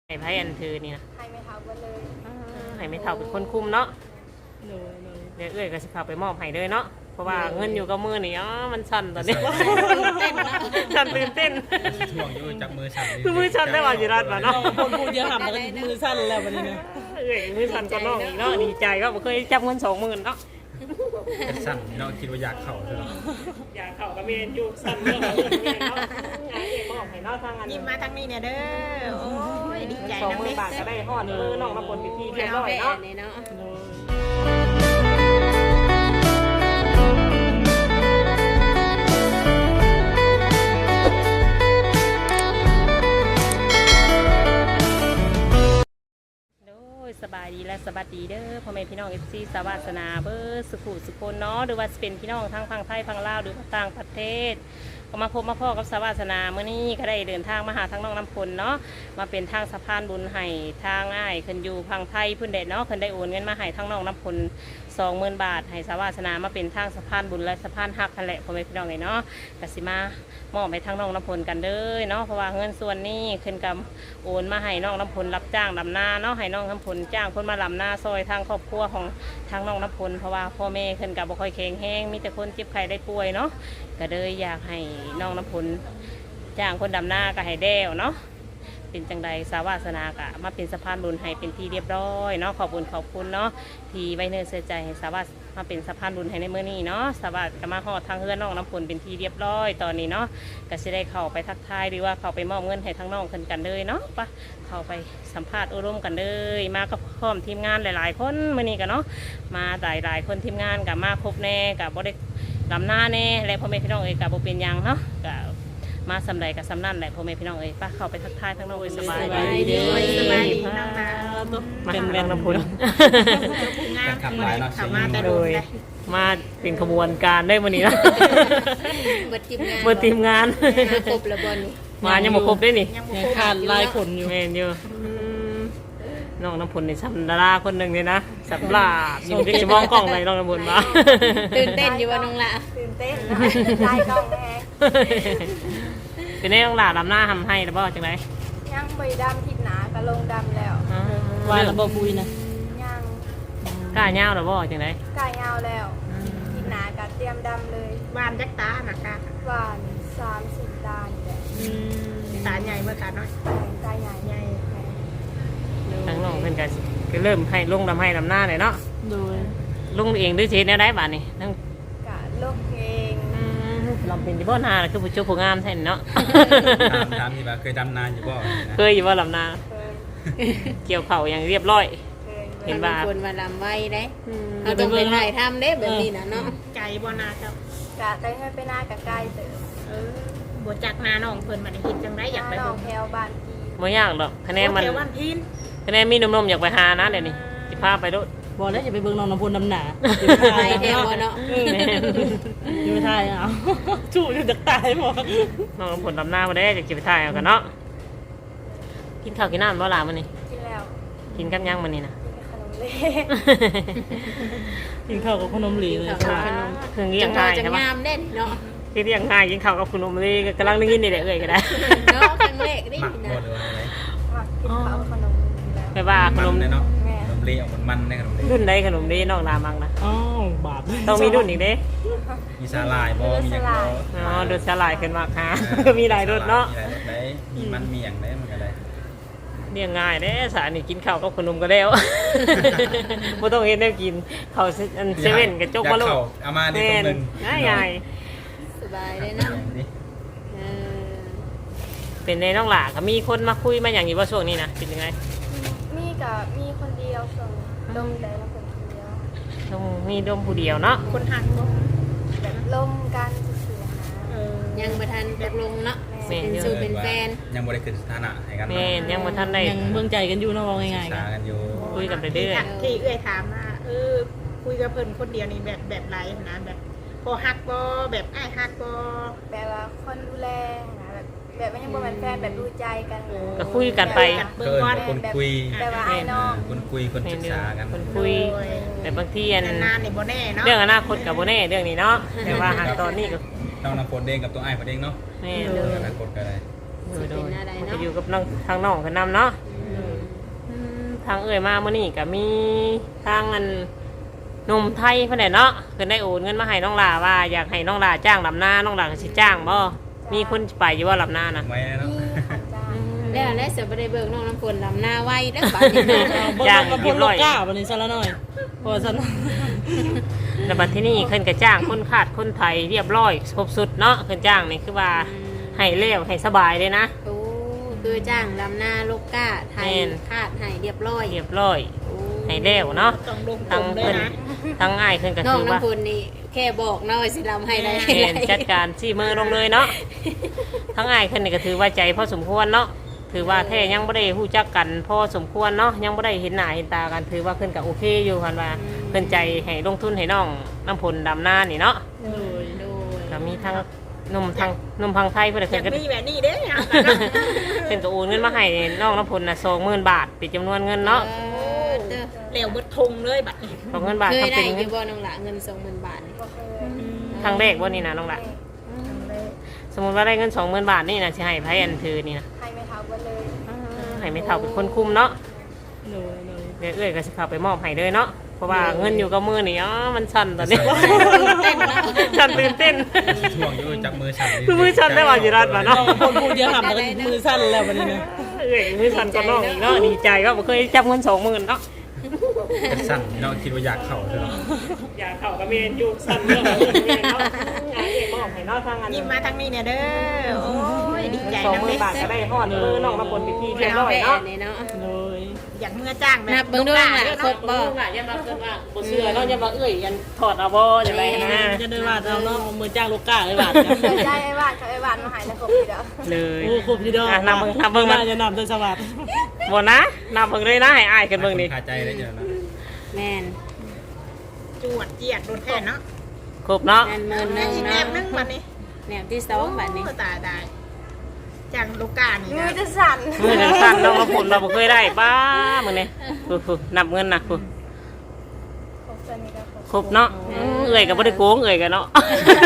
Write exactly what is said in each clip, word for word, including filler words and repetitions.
ไห้ไพ่อันถือนี่นะให้ไม่เท่ากันเลยให้ไม่เท่าเป็นคนคุมเนาะเลยเลยเดี๋ยวเอ้ยก็สิพาไปมอบให้เลยเนาะเพราะว่าเงินอยู่กับมือนี่อ๋อมันสั่นตอนนี้เต้นนะสั่นตื่นเต้นช่วงอยู่จับมือสั่นคือมือสั่นได้ว่าสิรัดบ่เนาะคนพูดเยอะหันแล้วมือสั่นแล้ววันนี้นะเอ้ยมือสั่นก็น้องอีกเนาะดีใจก็บ่เคยจับเงินสองหมื่นเนาะเป็นสั่นเนาะคิดว่าอยากเข่าใช่ไหมอยากเข่าก็เมนอยู่สั่นเรื่องเงินเนาะงานเอ้ยมอบให้เนาะทางอันยิ้มมาทางนี้เนี่ยเด้อโอ้ยดีใจสองนะหมื่นบาทก็ได้ฮอดมือน้องมาผลพิธีเรียบร้อยเนาะสบายดีและสวัสดีเด้อพ่อแม่พี่น้องเอฟซีสวัสนาเบอร์สุขุสุคนเนาะหรือว่าเป็นพี่น้องทั้งฝั่งไทยฝั่งลาวหรือต่างประเทศก็มาพบมาพ่อกับสวัสนาเมื่อนี้ก็ได้เดินทางมาหาทั้งน้องน้ำพลเนาะมาเป็นทางสะพานบุญให้ทางง่ายขึ้นอยู่พังไทยพื้นเด็ดเนาะขึ้นได้โอนเงินมาให้ทั้งน้องน้ำพลสองหมื่นบาทให้สวัสนามาเป็นทางสะพานบุญและสะพานหักกันแหละพ่อแม่พี่น้องเลยเนาะกสิมามอบให้ทั้งน้องน้ำพลกันเด้อเนาะเพราะว่าเงินส่วนนี้ขึ้นกับโอนมาให้น้องน้ำพลรับจ้างดำนาเนาะให้น้องน้ำพลจ้างคนมาลำนาซอยทางครอบครัวของทางน้องน้ำพลเพราะว่าพ่อแม่ขึ้นกับบ่ค่อยแข็งแห้งมีแต่คนเจ็บไข้ได้ป่วยเนาะก็เลยอยากให้น้องน้ำพลจ้างคนดำนาก็ให้แด้วเนาะเป็นจังใดสาวาสนากะมาเป็นสะพานบุญให้เป็นที่เรียบร้อยเนาะขอบคุณขอบคุณเนาะที่ไว้เนื้อเสียใจให้สาวาสมาเป็นสะพานบุญให้ในเมื่อนี้เนาะสาวาสก็มาหอดทางเฮือนน้องน้ำพลเป็นที่เรียบร้อยตอนนี้เนาะก็จะได้เข้าไปทักทายหรือว่าเข้าไปมอบเงินให้ทั้งน้องคนกันเลยเนาะปะเข้าไปสัมภาษณ์อบรมกันเลยมากับพร้อมทีมงานหลายๆคนเมื่อนี้กันเนาะมาหลายๆคนทีมงานกับมาครบแน่กับบริลำหน้าแน่และพ่อแม่พี่น้องเอ๋ยกับโบเป็นยังเนาะกับมาสำไรกับสำนั่นแหละพ่อแม่พี่น้องเอ๋ยป้าเข้าไปทักทายทั้งน้องเอ๋ยสบายดีสบายดีน้องนามาเป็นแรงน้ำพุนขับหลายเนาะขับมาแต่โดยมาเป็นขบวนการได้วันนี้นะเบิดทีมงานเบิดทีมงานครบระบนมายังบ่ครบได้นี่ยังขาดลายขนอยู่แม่นอยู่น้องน้ำพลในสัมดาราคนหนึ่งเลยนะสับลาอยู่ที่จะมองกล้องเลยน้องน้ำพลมาตื่นเต้นอยู่ว่าน้องละตื่นเต้นได้กล้องแน่เป็นได้น้องหลาดำหน้าทำให้หรือเปล่าจังไรยังใบดำทิศหนากระลงดำแล้ววานระบบปุยนะยังกล้าเงาหรือเปล่าจังไรกล้าเงาแล้วทิศหนากระเตรียมดำเลยวานยักษ์ตาหนักกะวานสามสิบตาเนี่ยตาใหญ่เมื่อตาน้อยตาใหญ่ใหญ่ทั้งน้องเพิ่นก็ก็เริ่มให้ลงดำให้ดำหน้าเลยเนาะดูลงเองด้วยเชนได้บ้านนี่ทั้งกะลงเองลำเป็นที่บ่อนาคือผู้เจ้าผู้งามแท้เนาะถามที่ว่าเคยดำนานอยู่บ่เคยอยู่ว่าลำนาเกี่ยวเข่าอย่างเรียบร้อยเห็นว่าคนมาลำไว้ได้เราต้องไปถ่ายทำได้แบบนี้นะเนาะไก่บ่นาเจ้ากะไก่ให้ไปหน้ากะไก่เติมเออบวจากนาน้องเพิ่นมาได้เห็นจังไดอยากไปเบิ่งแถวบ้านพี่บ่ยากดอกคะแนนมันแถวบ้านพี่คะแนนมีนมๆอยากไปหานะเดี๋ยวนี้สิพาไปด้วยบอกแล้วอย่าไปเบิ่งน้องน้ำพลน้ำหนาไปแถวเนาะอยู่ไทยเอาจู่อยู่จากตายหมดน้องน้ำพลดำหน้ามาได้จะเก็บไปถ่ายเอากันเนาะกินข้าวกินน้ำบ่ล่ะมื้อนี้กินแล้วกินกับยังมื้อนี้นะกินข้าวกับขนมเหลวเลยเครื่องเลี้ยงง่ายใช่ไหมงามเด่นเนาะกินเลี้ยงง่ายกินข้าวกับขนมเหลวกำลังได้ยินนี่แหละเอ้ยก็ได้เนาะครั้งแรกได้ยินนะกินข้าวขนมไม่ว่าขนมเนาะขนมเหลวมันๆในขนมเหลวรุ่นใดขนมเหลวน้องนามังนะอ๋อบาปต้องมีรุ่นอีกเด้มีสาลายบ่มีอย่างบ่อ๋อรสสาลายขึ้นมาค่ะมีหลายรสเนาะมีหลายรสได้มีมันมีอย่างได้มันก็ได้เลี้ยงง่ายเด้สานี่กินข้าวกับขนมก็แล้วบ่ต้องเฮ็ดแนวกินข้าวอันเซเว่นกับจกมาลูกเอามานี่ตรงนึงง่ายๆสบายเลยนะเออเป็นในน้องหล่าก็มีคนมาคุยมาอย่างนี้ว่าช่วงนี้นะเป็นยังไงมีกับมีคนเดียวส่งลมแต่ละคนเดียวต้องมีดมผู้เดียวเนาะคนหักลมแบบลมกันเสียหายังประทันตกลงเนาะเป็นสู่เป็นแฟนยังบ่ได้ขึ้นสถานะให้กันแม่ยังบ่ทันได้ยังเบิ่งใจกันอยู่เนาะว่าง่ายๆกันอยู่คุยกันไปเรื่อยๆที่เอื้อยถามว่าเออคุยกับเพิ่นคนเดียวนี่แบบแบบไรนะแบบพอฮักบ่แบบอ้ายฮักบ่แบบว่าคนดูแลนะแบบแบบไม่ใช่บ่เป็นแฟนแบบดูใจกันก็คุยกันไปเบิ่งก่อนคนคุยแบบว่าไอ้น้องคนคุยคนศึกษากันคนคุยแต่บางทีอันนานนี่บ่แน่เนาะเรื่องอนาคตกับบ่แน่เรื่องนี้เนาะแต่ว่าหากตอนนี้ก็ต้องนำคนเด้งกับตัวอ้ายเพิ่นเองเนาะแม่อนาคตก็ได้จะอยู่กับน้องทางน้องกันนำเนาะทางเอ่ยมาเมื่อนี้ก็มีทางอันหนุ่มไทยเพิ่นได้เนาะเพิ่นได้โอนเงินมาให้น้องหลาว่าอยากให้น้องหลาจ้างลำหน้าน้องหลาก็สิจ้างบ่มีคนไปอยู่ว่าลำหน้านะไว้เนาะแล้วแล้วเสือบ่ได้เบิกน้องน้ำฝนลำหน้าไว้เด้อบัดนี้จ้างกับพลลูกก้าวันนี้ซะละหน่อยพอซะแล้วบัดที่นี่เพิ่นก็จ้างคนขาดคนไทยเรียบร้อยครบสุดเนาะเพิ่นจ้างนี่คือว่าให้เร็วให้สบายเลยนะโอ้คือจ้างลำหน้าลูกก้าไทยแม่นคาดให้เรียบร้อยเรียบร้อยให้เร็วเนาะต้องลงทั้งด้วเพิ่ยนนะทั้งอ้ายเพิ่นก็น้องคือว่าน้ำฝนนี่แค่บอกน้อยสิลำให้ได้เห็นจัดการชี้มือลงเลยเนาะทั้งอ้ายเพิ่นนี่ก็ถือว่าใจพอสมควรเนาะถือว่าแท้ยังบ่ได้ฮู้จักกันพอสมควรเนาะยังบ่ได้เห็นหน้าเห็นตากันถือว่าเพิ่นก็โอเคอยู่คันว่าเพิ่นใจให้ลงทุนให้น้องน้ำพลดำนานี่เนาะโดยโดยก็มีทั้งหนุ่มทางหนุ่มพังไทยเพิ่นก็อเพิ่ยาน กก็มีแบบนี้เด้อเพิ่นก็โอนเงินมาให้น้องน้ำพลน่ะสองหมื่นบาทเป็นจำนวนเงินเนาะเออเด้อเหลวเบิดทงเลยบัดนี้สองเงินบาทเคยทำได้เป็นอเงิยู่นบ่น้องหละเงินสองหมื่นบาทนี่ครั้งแรกบ่นี่นะน้องละสมมุติว่าได้เงินสองหมื่นบาทนี่นะสิให้ไผอันถือนี่นะให้ไม่เท่ากันเลยให้ไม่เท่าเป็นคนคุมเนาะโดยโดยเดี๋ยวเอ้ยก็สิเข้าไปมอบให้เลยเนาะเพราะว่าเงินอยู่กับมือนี่อ๋อมันสั่นตอนนี้เต้นเนาะสั่นตื่นเต้นช่วงอยู่จับมือสั่นคือมือสั่นได้ว่าอยู่รัดมาน้อเนาะงคนพูดเยอะหันแล้วก็มือสั่นแล้ววันนี้นะเอ้ยมือสั่นก็น้องอีกเนาะดีใจก็บ่เคยจับเงินสองหมื่นเนาะสั่นเนาะคิดว่าอยากเข้าเลยเนาะอยากเข้ากับเมนอยู่สั่นเนาะเนาะอยากเองมอบให้เนาะทางอันยิ้มมาทางนี้เนี่ยเด้อโอ้ยดีใจสองนะหมื่เด้นบาทก็ได้ฮอดมือน้องมาผลพิธีเรียบร้อยเนาะนี่เนาะโดยอยากเมื่อจ้างแบบนับเบิ่งด้วยล่ะครบบ่บ่ว่าอย่ามาเกินว่าบ่เชื่อเนาะอย่ามาเอ้ยยันถอดเอาบ่จังไดนะจะได้ว่าเราเนาะมือจ้างลูกก้าเลยบาทใจไอ้บ้านกับไอ้บ้านมาหายแล้วครบทีเดียวเลยโอ้ครบทีเดียวอ่ะนำเบิ่งนำเบิ่งมาจะนำด้วยสวัสดิ์บ่นะนำเบิ่งเลยนะให้อายกันเบิ่งนี่คาใจได้เจอนะแม่นจวดเจียดโดนแค่เนาะครบเนาะแม่นหมื่นหนึงอีกแนเนาะบนึงบัดนี้แนวที่สองบัดนี้โอ้ตายตายจ้างลูกก้านี่มือนะจะสั่นมือจังสั่นน้องมาผลเราบ่เคยได้ป้ามื้อนี้ฟูๆนับเงินน่ะฟูครบจะมีแล้วครบครบเนาะอือเอ้ยก็บ่ได้โกงเอ้ยก็เนาะ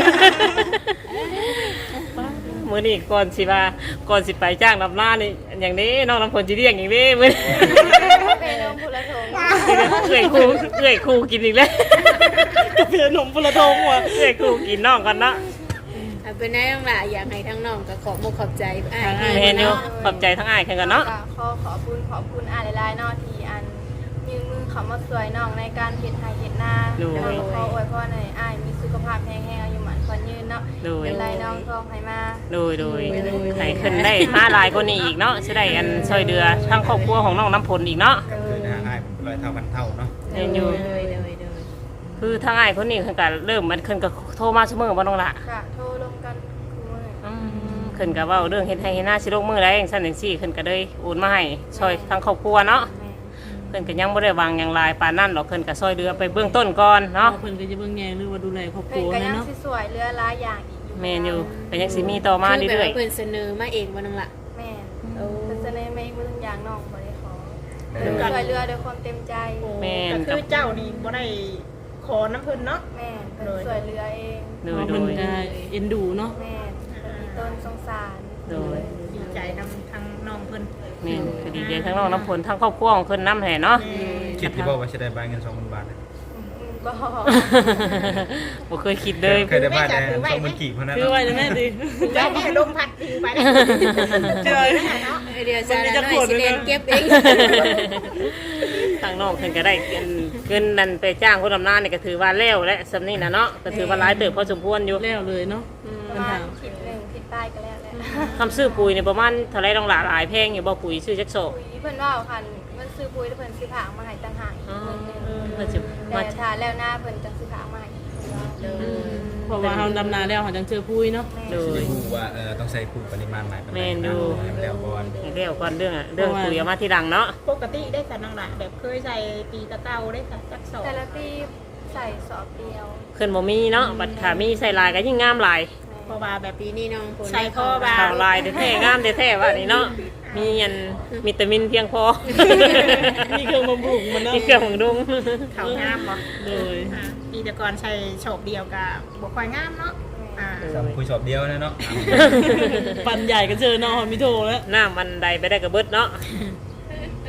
มื้อนี้ก่อนสิว่าก่อนสิไปจ้างนำหน้านี่อย่างนี้น้องน้ำฝนสิเรียกอย่างนี้มื้อนี้เป็นลมพุละทงเอ้ยครูเอ้ยครูกินอีกแล้วกาแฟนมพลทงว่ะเอ้ยครูกินน้องกันเนาะเอาเป็นไงน้องล่ะอยากให้ทั้งน้องก็ขอบอกขอบใจอ้ายแม่นอยู่ขอบใจทั้งอ้ายคือกันเนาะขอขอบคุณขอบคุณอ่านหลายๆเนอที่อันยืมมือเขามาสวยน้องในการเฮ็ดไห้เฮ็ดหน้าแล้วขออวยพรให้อ้ายมีสุขภาพแข็งแรงอายุหมันขวัญยืนเนาะโดยเป็นไรน้องทองให้มาโดยโดยให้ขึ้นได้มาหลายกว่านี้อีกเนาะสิได้อันช่วยเดือทั้งครอบครัวของน้องน้ำพลอีกเนาะคือนะอ้ายร้อยเท่าพันเท่าเนาะเรียนอยู่เลยเลยเลยคือทางอ้ายคนนี้เพิ่นก็เริ่มมันเพิ่นก็โทรมาเสมอบ่น้องละค่ะโทรลงกันคู่มืออืมเพิ่นก็เว้าเรื่องเฮ็ดให้เฮ็ดหน้าสิลงมือได้จังซั่นจังซี่เพิ่นก็เลยโอนมาให้ช่วยทั้งครอบครัวเนาะแม่เพิ่นก็ยังบ่ได้วางหยังหลายปานนั้นหรอกเพิ่นก็ช่วยเดือไปเบื้องต้นก่อนเนาะเพิ่นก็จะเบิ่งแยงหรือว่าดูแลครอบคเพิ่รันวก็นะยังเนาะสิสวยเรือหลายอย่างอีกอยู่แม่นอยู่ก็ยังสิมีต่อมาคือแบบเรื่อยว่าเพิ่นเสนอมาเองบ่น้องล่ะแม่โอ้เพิ่นเสนอมาอีกบ่ทุกอย่างน้องบ่ได้ขอเพิ่นสวยเรือด้วยความเต็มใจก็คือเจ้านี่บ่ได้ขอน้ำเพิ่นเนาะแม่เพิ่นสวยเรือเองๆโดยโดเพิ่นยก็เอ็นดูเนาะแม่เพิ่นมีต้นสงสารโดยดีใจนำทางน้องเพิ่นแม่นก็ดีใจทั้งน้องน้ำพลทั้งครอบครัวของเพิ่นนำแห่เนาะคิดที่บอกว่าจะได้ใบเงินสองพันบาทนะอืมบ่บ่เคยคิดเลยเคยได้ใบแต่สองหมื่นกี่เพราะนั้นคือไว้เลยแม่ดิเจ้าแม่ลมพัดพิงไปนะเจอเดี๋ยวจะน้อยสิเล่นเก็บเองทางน้องเพิ่นก็ได้เงินเงินนั่นไปจ้างคนทำนานี่ก็ถือว่าแล้วและสำนี้นะเนาะก็ถือว่าหลายเติบพอสมควรอยู่แล้วเลยเนาะประมาณผิดหนึ่งผิดใต้ก็แล้วแหละคำซื้อปุ๋ยนี่ประมาณเท่าไรต้องหลาหลายแพงอยู่บ่ปุ๋ยซื้อจักโซปุ๋ยเพิ่นว่าคันมันซื้อปุ๋ยแล้วเพิ่นซื้อผางมาให้ต่างหากอีกอ๋อเงินหนึงเพิ่นสิแต่มาถ้าแล้วหน้าเพิ่นจะซื้อผางมาให้อีกเพราะว่าเฮาดำนาแล้วเฮาจังเจอปุ้ยเนาะโดยจะรู้ว่าเออต้องใส่ปุ๋ยปริมาณไหนประมาณแม่นอยู่ให้มันแล้วก่อนให้เรียวก่อนเรื่องอะเรื่องปุ๋ยเอามาทีหลังเนาะปกติได้สันน้องหลานแบบเคยใส่ปีตะเก้าได้สักจักสองแต่ละปีใส่สอบเดียวขึ้นบ่มีเนาะบัดขามีใส่ลายก็ยิ่งงามหลายเพราะว่าแบบปีนี้น้องฝนใส่ข้อบาขาวลายแท้ๆงามแท้ๆว่านี่เนาะมีอันวิตามินเพียงพอมีเครื่องบำรุงมันเนาะมีเครื่องของดุงเขางามบ่โดยปีตะกอนใช้โฉบเดียวกับบ่ค่อยงามเนาะอ่าสำคุยสอบเดียวนะเนาะปันใหญ่กันเจอเนาะมีโทแล้วน้ำมันใดไปได้กระเบิดเนาะ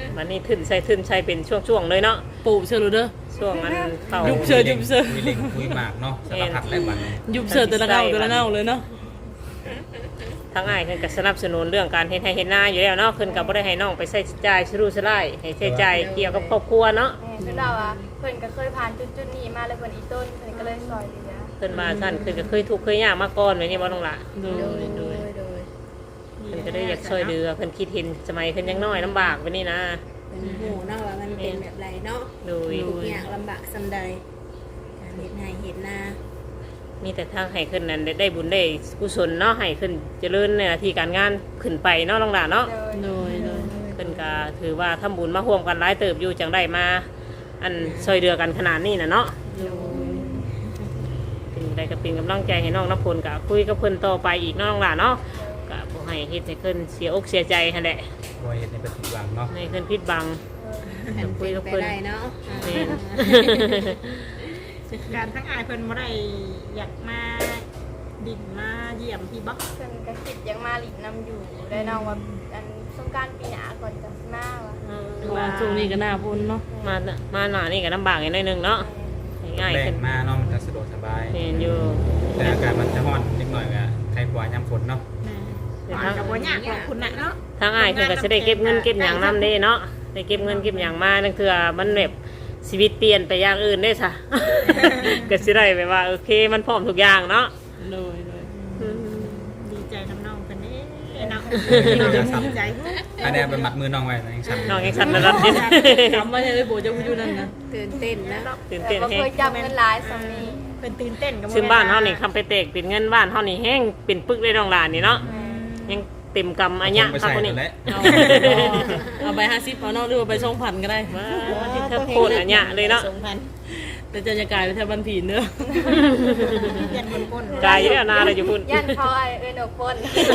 วันนี้ทึนใส่ทึนใส่เป็นช่วงๆเลยเนาะปูเชื่อรู้เด้อช่วงมันเข้ายุบเชิญยุบเชิญคุยเล่งคุยหมากเนาะสารพัดได้บัดนี้ยุบเสือแต่ละเน่าแต่ละเน่าเลยเนาะทั้งอ้ายเพิ่นก็สนับสนุนเรื่องการเฮ็ดให้เฮ็ดนาอยู่แล้วเนาะเพิ่นก็บ่ได้ให้น้องไปใช้จ่ายสรุสลายให้ใช้จ่ายเกี่ยวกับครอบครัวเนาะแม่คือเราอ่ะเพิ่นก็เคยผ่านจุดๆนี้มาแล้วเพิ่นอีต้นเพิ่นก็เลยซอยเหลือเพิ่นมาซั่นเพิ่นก็เคยทุกข์เคยยากมาก่อนไว้นี่บ่ต้องล่ะโดยโดยโดยเพิ่นก็ได้อยากช่วยเหลือเพิ่นคิดเห็นสมัยเพิ่นยังน้อยลำบากไว้นี่นะเป็นหมู่เนาะว่ามันเป็นแบบไรเนาะโดยทุกอย่างลำบากสำใดการเฮ็ดให้เฮ็ดนามีแต่ทางให้ขึ้นนั้นได้บุญได้กุศลเนาะให้ขึ้นเจริญในหน้าที่การงานขึ้นไปเนาะน้องหลานเนาะโดยโดยโดยขึ้นก็ถือว่าทำบุญมาร่วมกันหลายเติบอยู่จังได้มา อันช่วยเดือกันขนาดนี้นะเนาะเป็นได้ก็เป็นกำลังใจให้น้องน้ำพลกับคุยกับเพิ่นต่อไปอีกเนาะน้องหลานเนาะก็บ่ให้เฮ็ดให้เพิ่นเสียอกเสียใจหั่นแหละบ่เฮ็ดในเป็นผิดหวังเนาะให้เพิ่นผิดบังอันเป็นไปได้เนาะแม่นการทั้งอายเพิ่นบ่ได้อยากมาดินมาเยี่ยมพี่บักเพิ่นก็คิดยังมาหลีกนำอยู่ได้น้องว่าอันสงกรานต์ปีหน้าก่อนจะสิมาว่ะเพราะว่าช่วงนี้ก็หน้าพ้นเนาะมามาหน้านี่ก็ลำบากนิดนึงเนาะง่ายๆแรขึ้งนมาเนาะมันก็สะดวกสบายแม่นอยู่แต่อากาศมันจะร้อนนิดหน่อยก็ใครกว่ายามฝนเนาะอ่านกับบ่ยากของคุณน่ะเนาะทางอ้ายเพิ่นก็สิได้เก็บเงินเก็บหยังนำเด้เนาะได้เก็บเงินเก็บหยังมานั่นคือมันแบบชีวิตเปลี่ยนไปอย่างอื่นได้ซะ ก็สิได้แบบว่าโอเคมันพร้อมทุกอย่างเนาะโดยโดยดีใจน้ำน้องเพิ่นเด้เนาะดีใจอันนี้ไปมัดมือน้องไว้นะยังสั่นน้องยังสั่นระดับนี้จำไว้เลยโบจะพูดอยู่นั่นนะตื่นเต้นนะตื่นแต่เต้นบ่แฮเคงยจับเงินหลายสำนี้เพิ่นตื่นเต้นกับซึ่งบ้านเฮานี่คำไปเตกเป็นเงินบ้านเฮานี่แห้งเป็นปึกได้น้องหลานนี่เนาะยังเต็มกำอันยะไปครับใส่คนนี้ตัวแล้วเอาไปห้าสิบเอาเนาะหรือว่าไปช่องพันก็ได้มาที่เธอโคตรอันยะเลยเนาะสองพันแต่จะจะกลายเป็นแทบบันผีเนอะเย็นคนคนกายอยู่แล้วนาเลยอยู่พุ่นยันเขาไอ้เอิ้นเอาคน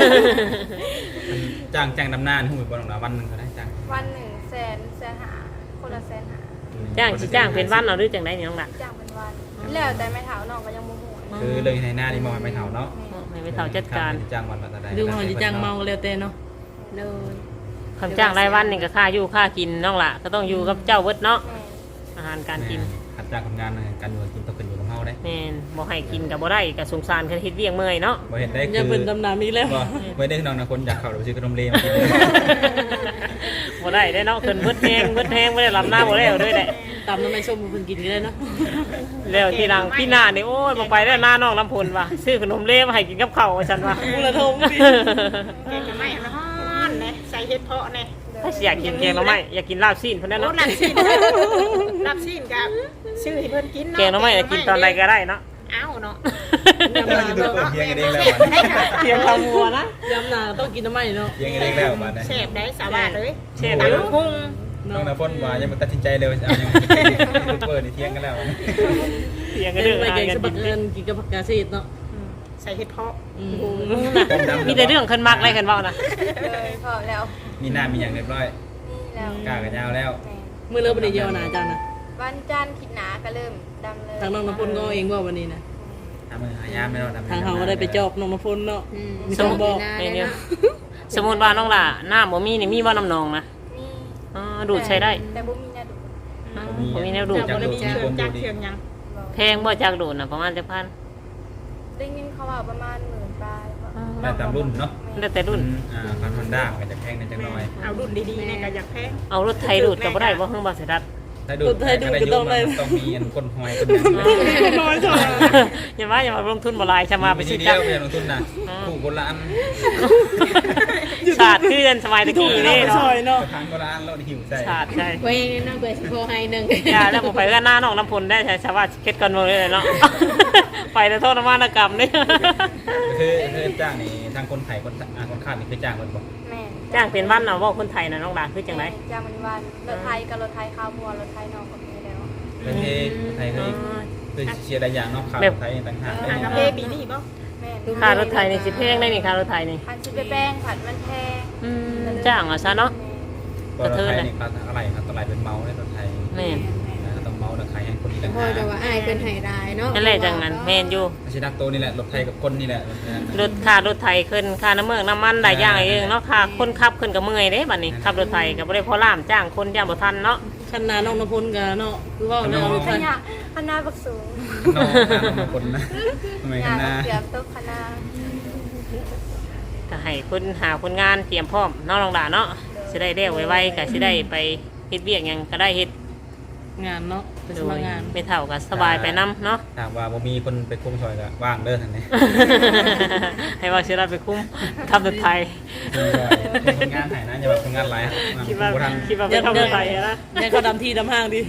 จ้างจ้างดำนานหูบ่ต้องละวันหนึงก็ได้จ้างวันหนึ่งแสนแสนหาคนละแสนหาจ้างสิจ้างเป็นวันเอาหรือจังไดนี่น้องหลานจ้างเป็นวัน แล้วแต่ไม่เถาน้องก็ยังบ่ฮู้คือเลยในหน้านี่มองไม่เท่าเนาะให้ไปเฒ่าจัดการจ้างวันละเท่าใดดูเขาจะจ้างเมาก็แล้วแต่เนาะโดยคำจ้างรายวันนี่ก็ค่าอยู่ค่ากินน้องหล่ะก็ต้องอยู่กับเจ้าเบิดเนาะแม่อาหารการกินขัดจ้างคนงานการอยู่กินต้องขึ้นอยู่กับเฮาได้แม่นบ่ให้กินก็บ่ได้ก็สงสารคันเฮ็ดเวียงเมื่อยเนาะบ่เห็นได้อย่าคือเป็นดำน้ำอีกแล้วบ่ไม่ได้น้องนะคนอยากเข้าไปซื้อขนมเลมากินบ่ได้ได้เนาะเพิ่นเบิดแฮงเบิดแฮงบ่ได้ลำหน้าบ่แล้วด้วยแหละตำน้ำไม่ส้มมันกินก็ได้เนาะแล้วทีหลังพี่หน้านี่โอ้ยบ่ไปแล้วหน้าน้องลำพลว่ะซื้อขนมเลมาให้กินกับข้าวว่าซั่นว่ะมูลทงพี่แกงไม่ร้อนนะใส่เห็ดเพาะนะถ้าสิอยากกินแกงหน่อไม้อยากกินลาบซีนเพิ่นนั่นโอ้เนาะลับซีนลับซีนกับชื่อให้เพิ่นกินเนาะแกงหน่อไม้อยากกินตอนใดก็ได้เนาะเอ้าเนาะกำลังจะดูเปิดเพียงกันเองแล้วบัดนี้เพียงข้าวมัวนะยำหนาต้องกินน้ำไหมเนาะเพียงกันเองแล้วบัดนี้เชฟได้สบายเลยเชฟอยู่กุ้งน้องนะพ่นว่ายังบ่ตัดสินใจเลยเอายังดูเปิดนี่เที่ยงกันแล้วเพียงก็เดิเรื่องนไปอาหารเก่งกัสนบักิกนเอินกินกับผักกาดซีดเนาะใส่เห็ดเพาะอืมมีแต่เรื่องขึ้นมักอะไรกันเว้านะเลยพอแล้วมีหน้ามีอย่างเรียบร้อยนี่แล้วกล้ากันยาวแล้วแม่มือเริ่มไปเดียวนะอาจารย์นะวันจันทร์คิดหนาก็เริ่มดำเลยทางน้องน้ำพลก็เองว่าวันนี้นะทำมือหายามไม่รอดทางเขาก็ได้ไปจอบน้องน้ำพลเนาะอืมมีสมบอกไอ้เนี่ยสมมุติว่าน้องล่ะหน้าบ่มีนี่มีบ่น้ำนองนะมีอ๋อดูดใช้ได้แต่บ่มีนะดูบ่มีแนวดูดจะบ่ได้มีเครื่องจักรเครื่องยังแพงบ่จากดูดน่ะประมาณจักพันได้ยินเขาว่าประมาณหมื่นปลายได้ตามรุ่นเนาะแล้วแต่รุ่นอ่าพันฮอนด้ามันจะแพงนิดจังหน่อยเอารุ่นดีๆเนี่ยก็อยากแพงเอารถไถดูดก็บ่ได้บ่เฮิงบ่เสยดัดถ้าดูต้องต้องมีอันก้นหอยก้นหนังน้อยจังอย่าว่าอย่ามาลงทุนบ่หลายจะมาไปซื้อเดีจัยกวไม่ลงทุนนะคู่คนละอันชาติคือกันสมัยตะถูกกี้เนาะนี่ไปซเนาะอยเนาะทางคนละอันแล้วหิวใจชาติใช่ไว้ในน้องเปิดสิโพให้หนึ่งอย่าแล้วบ่ไปก็หน้าน้องน้ำพลได้ใช่ชาวบ้านเฮ็ดกันหมดเลยเนาะไปแต่โทษมานกรรมนี่คือคือจ้างนี่ทางคนไทยคนคนข้ามนี่คือจ้างคนบอกแม่จ้างเป็นวันน่ะว่าคนไทยน่ะน้องหลานคือจังได๋จ้างเป็นวันรถไทยกับรถไทยข้าวมัวรถไทยนอกก็มีแล้วประเทศไทยเคยเคยเชียร์ได้อย่างนอกข่าวไทยต่างหากหากาเฟปีนี้บ่แม่ค่ารถไทยนี่สิแพงได้นี่ค่ารถไทยนี่พันสิไปแป้งผัดมันแพงอืมจ้างเอาซะเนาะก็รถไทยนี่ก็อะไรครับตลาดเป็นเมาในรถไทยแม่นต้องเมามาเอาราคาให้คนนี้ต่างพ่อหากจะว่าอ้ายเพิ่นให้รายเนาะนั่นแหละจังนั้นแม่นอยู่ไม่ใช่นักโตนี่แหละรถไทยกับคนนี่แหละรถค่ารถไถขึ้นค่าน้ำเมืองน้ำมันหลายอย่างเองเนาะค่าคนขับขึ้นก็เมื่อยเด้บัดนี้ขับรถไถก็บ่ได้พอล่ามจ้างคนย่างบ่ทันเนาะคันนาน้องนพลกันเนาะคือว่าเราลูกขคันนาดขนาดบักสูงน้องน้องคนนะทำไมงากันนนะเกือบตกขนาดก็ให้คนหาคนงานเตรียมพร้อมเนาะน้องดาเนาะสิได้เร็วไวๆก็สิได้ไปเฮ็ดเวียกหยังก็ได้เฮ็ดงานเนาะไปสโดมัยครงานไม่เท่าก็สบายไปนํเนาะถามว่าบ่มีคนไปคุมซอยก็ว่างเด้อท่านนี้ให้ว่าสิได้ไปคุ้มทำรถไถคนงานหายนะอย่าแบบคนงานหลายคิดว่าบ่ทันคิดว่าไปทำรถไถนะยังเขาดำที่ดำห้างดิ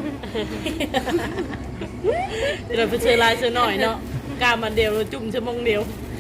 เดี๋ยวเราไปเชื่อลายเชื่อหน่อยเนาะกล้ามันเดียวจุ่มชั่วโมงเดียว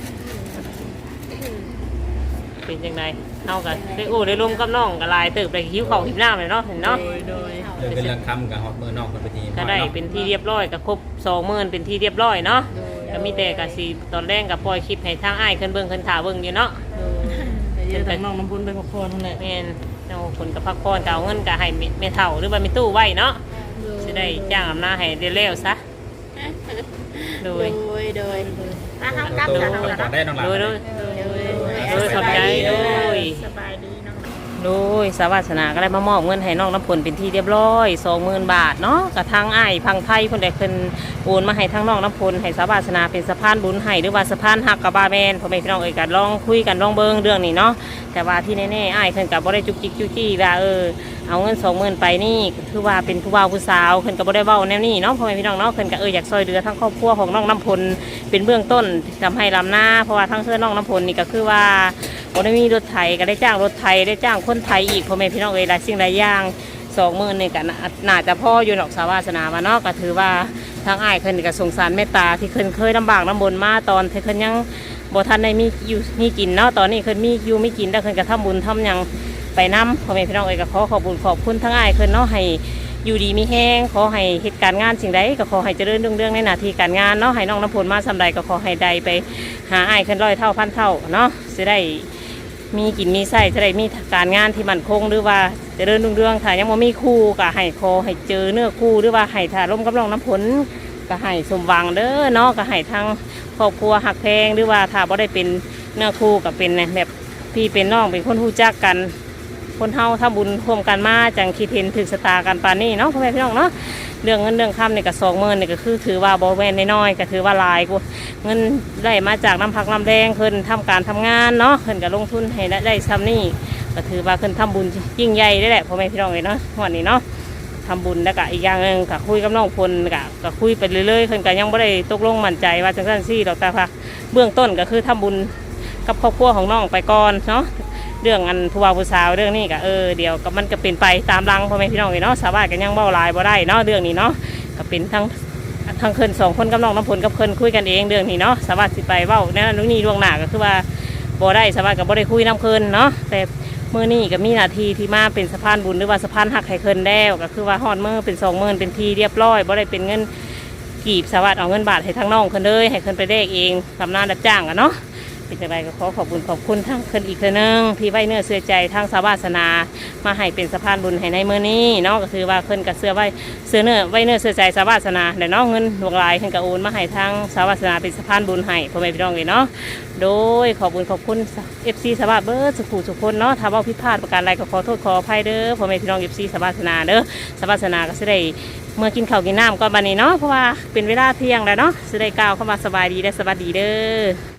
เป็นจังไดเฮาก็ได้โอ้ได้ร่วมกับน้องก็หลายเติบได้หิวข้าวหิวน้ำเลยเนาะเห็นเนาะโดยโดยเดินเป็นเรื่องคำกับฮอตมือนอกคนไปทีก็ได้เป็นที่เรียบร้อยก็ครบสองหมื่นเป็นที่เรียบร้อยเนาะก็มีแต่ก็สิตอนแรกก็ปล่อยคลิปให้ทางอ้ายขึ้นเบิ่งขึ้นถ่าเบิ่งอยู่เนาะเดี๋ยวทางน้องน้ำพุนไปพักผ่อนนั่นแหละแม่นเอาคนกับพักผ่อนก็เอาเงินก็ให้แม่เฒ่าหรือว่าแม่ตู้ไว้เนาะสิได้จ้างอำนาจให้เร็วๆซะโดโดยยโดยถ้าเฮากลับตัวกับเฮาก่แล้อวนได้น้องหลานโดยโดย โดยขอบใจโดยสบายดีน้องโดยสวัสนาก็ได้มามอบเงินให้น้องน้ำผลเป็นที่เรียบร้อยสองหมื่นบาทเนาะกับทางอ้ายพังไทยคนใดคนโอนมาให้ทางน้องน้ำผลให้สวัสนาเป็นสะพานบุญให้หรือว่าสะพานหักกับบาแมนพ่อแม่พี่น้องเอ่ยกันลองคุยกันลองเบิ้งเรื่องนี้เนาะแต่ว่าที่แน่ๆอ้ายเพิ่นกับบ่ได้จุกจิกจุกจี้ว่าเออเอาเงินสองหมื่นไปนี่คือว่าเป็นผู้บ่าวผู้สาวเพิ่นกับบ่ได้เว้าแนวนี้เนาะพ่อแม่พี่น้องเนาะเพิ่นก็เอออยากช่วยเหลือทั้งครอบครัวของน้องน้ำผลเป็นเบื้องต้นทำให้ลำหน้าเพราะว่าทั้งเสื้อน้องน้ำผลนี่ก็คือว่า บ่ได้มีรถไถก็ได้จ้างรถไถได้จ้างคนไทยอีกพ่อแม่พี่น้องเอ้ยหลายสิ่งหลายอย่างสองหมื่นนี่ก็น่าจะพ่ออยู่หรอกสาวาสนามาเนาะก็ถือว่าทางอ้ายเพิ่นก็สงสารเมตตาที่เพิ่นเคยลำบากลำบนมาตอนที่เพิ่นยังบ่ทันได้มีอยู่มีกินเนาะตอนนี้เพิ่นมีอยู่มีกินแล้วเพิ่นก็ทำบุญทำหยังไปนำพ่อแม่พี่น้องเอ้ยก็ขอขอบคุญขอบคุณทางอ้ายเพิ่นเนาะให้อยู่ดีมีแห้งขอให้เหตุการณ์งานสิ่งใดก็ขอให้เจริญรุ่งเรืองในหน้าที่การงานเนาะให้น้องน้ำพลมาสำใดก็ขอให้ใดไปหาอ้ายเพิ่นร้อยเท่าพันเท่าเนาะสิได้ มีกินมีไส้จะได้มีการงานที่มั่นคงหรือว่าเจะเดินรุ่งเรืองถ้ายังบ่มีคู่ก็ให้คอให้เจอเนื้อคู่หรือว่าให้ถ้าร่มกับน้องน้ำผลก็ให้สมหวังเด้อเนาะก็ให้ทางครอบครัวหักแพงหรือว่าถ้าบ่ได้เป็นเนื้อคู่ก็เป็นแบบพี่เป็นน้องเป็นคนรู้จักกันคนเฮาทำบุญร่วมกันมาจังคิดเห็นถึงสตากันปานนี้เนาะพ่อแม่พี่น้องเนาะเรื่องเงินเรื่องคำนี่ก็สองหมื่นนี่ก็คือถือว่าบ่แม่นน้อยๆก็ถือว่าหลายกว่าเงินได้มาจากน้ำพักน้ำแดงเพิ่นทำการทำงานเนาะเพิ่นก็ลงทุนให้ได้ซ้ำนี่ก็ถือว่าเพิ่นทำบุญยิ่งใหญ่ได้แหละพ่อแม่พี่น้องเลยเนาะวันนี้เนาะทำบุญแล้วก็อีกอย่างหนึ่งก็คุยกับน้องพลก็ก็คุยไปเรื่อยๆเพิ่นก็ยังบ่ได้ตกลงมั่นใจว่าจังซั่นซี่ดอกแต่ว่าเบื้องต้นก็คือทำบุญกับครอบครัวของน้องไปก่อนเนาะเรื่องอันผู้บ่าวผู้สาวเรื่องนี้ก็เออเดี๋ยวก็มันก็เป็นไปตามรังพ่อแม่พี่น้องเลยเนาะสาวบ้านก็ยังเบ้าหลายบ่ได้เนาะเรื่องนี้เนาะก็เป็นทั้งทั้งเพิ่นสองคนกับน้องน้ำพลกับเพิ่นคุยกันเองเรื่องนี้เนาะสาวบ้านสิไปเว้าแน่นอนนี่ล่วงหน้าก็คือว่าบ่ได้สาวบ้านก็บ่ได้คุยน้ำเพิ่นเนาะแต่มื้อนี้ก็มีหน้าที่ที่มาเป็นสะพานบุญหรือว่าสะพานหักให้เพิ่นแล้วก็คือว่าฮอดมื้อเป็นสองหมื่นเป็นทีเรียบร้อยบ่ได้เป็นเงินกีบสาวบ้านเอาเงินบาทให้ทางน้องเพิ่นเลยให้เพิ่นไปแลกเองทำงานรับจ้างกันเนาะเป็นจังไดก็ขอขอบคุณขอบคุณทั้งเพิ่นอีกเทื่อนึงที่ไว้เนื้อเชื่อใจทางสาวาสนามาให้เป็นสะพานบุญให้ในมื้อนี้เนาะก็คือว่าเพิ่นก็เชื่อไว้เชื่อเนื้อไว้เนื้อเชื่อใจสาวาสนาแต่เนาะเงินหลวงหลายเพิ่นก็โอนมาให้ทางสาวาสนาเป็นสะพานบุญให้พ่อแม่พี่น้องเลยเนาะโดยขอบคุณขอบคุณ เอฟ ซี สวัสดิ์เบิร์ดสุขุสุขคนเนาะถ้าเว้าผิดพลาดประการใดก็ขอโทษขออภัยเด้อพ่อแม่พี่น้อง เอฟ ซี สวัสนาเด้อสวัสนาก็สิได้เมื่อกินข้าวกินน้ำก่อนบัดนี้เนาะเพราะว่าเป็นเวลาเที่ยงแล้วเนาะสิได้กล่าวเข้ามาสบายดีและสวัสดีเด้อ